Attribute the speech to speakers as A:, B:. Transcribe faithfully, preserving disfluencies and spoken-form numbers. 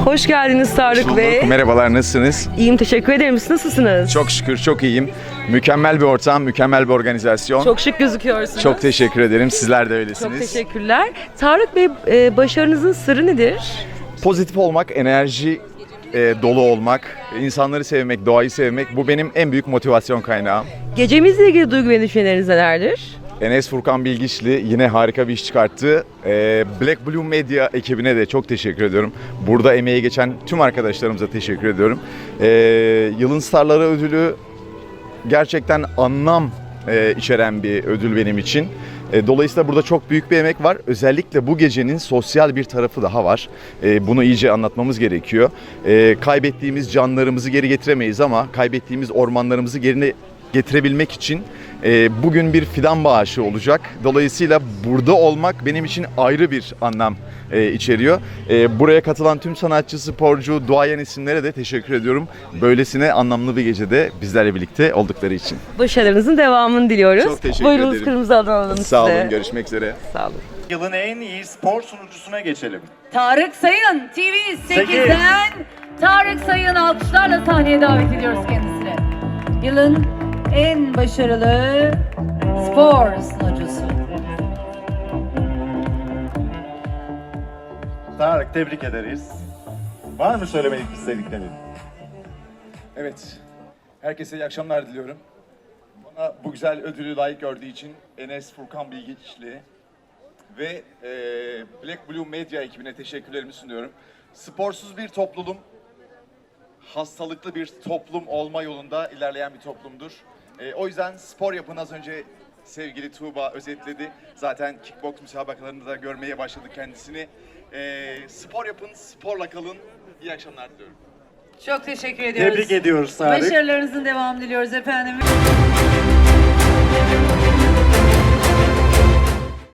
A: Hoş geldiniz Tarık Bey.
B: Merhabalar, nasılsınız?
A: İyiyim, teşekkür ederim. Siz nasılsınız?
B: Çok şükür, çok iyiyim. Mükemmel bir ortam, mükemmel bir organizasyon.
A: Çok şık gözüküyorsunuz.
B: Çok teşekkür ederim. Sizler de öylesiniz.
A: Çok teşekkürler. Tarık Bey, e, başarınızın sırrı nedir?
B: Pozitif olmak, enerji e, dolu olmak, insanları sevmek, doğayı sevmek bu benim en büyük motivasyon kaynağım.
A: Gecemizle ilgili duygu ve düşünceleriniz nelerdir?
B: Enes Furkan Bilgiçli yine harika bir iş çıkarttı. Ee, Black Blue Media ekibine de çok teşekkür ediyorum. Burada emeği geçen tüm arkadaşlarımıza teşekkür ediyorum. Ee, Yılın Starları ödülü gerçekten anlam e, içeren bir ödül benim için. E, dolayısıyla burada çok büyük bir emek var. Özellikle bu gecenin sosyal bir tarafı daha var. E, bunu iyice anlatmamız gerekiyor. E, kaybettiğimiz canlarımızı geri getiremeyiz ama kaybettiğimiz ormanlarımızı geri getirebilmek için e, bugün bir fidan bağışı olacak. Dolayısıyla burada olmak benim için ayrı bir anlam e, içeriyor. E, buraya katılan tüm sanatçı, sporcu, duayen isimlere de teşekkür ediyorum. Böylesine anlamlı bir gecede bizlerle birlikte oldukları için.
A: Başarınızın devamını diliyoruz.
B: Çok teşekkür
A: Buyurunuz,
B: ederim.
A: kırmızı alan alalım size.
B: Sağ olun, görüşmek üzere.
A: Sağ olun.
C: Yılın en iyi spor sunucusuna geçelim.
D: Tarık Sayın T V sekizden Tarık Sayın alkışlarla sahneye davet ediyoruz kendisini. Yılın en başarılı spor sunucusu.
C: Tarık, tebrik ederiz. Var mı söylemek istediklerin?
B: Evet, herkese iyi akşamlar diliyorum. Bana bu güzel ödülü layık gördüğü için Enes Furkan Bilgiçli ve e, Black Blue Media ekibine teşekkürlerimi sunuyorum. Sporsuz bir topluluğum, hastalıklı bir toplum olma yolunda ilerleyen bir toplumdur. E, o yüzden spor yapın, az önce sevgili Tuğba özetledi. Zaten kickbox müsabakalarında da görmeye başladık kendisini. E, spor yapın, sporla kalın. İyi akşamlar diliyorum.
D: Çok teşekkür ediyoruz.
C: Tebrik ediyoruz Tarık.
D: Başarılarınızın devamını diliyoruz efendim.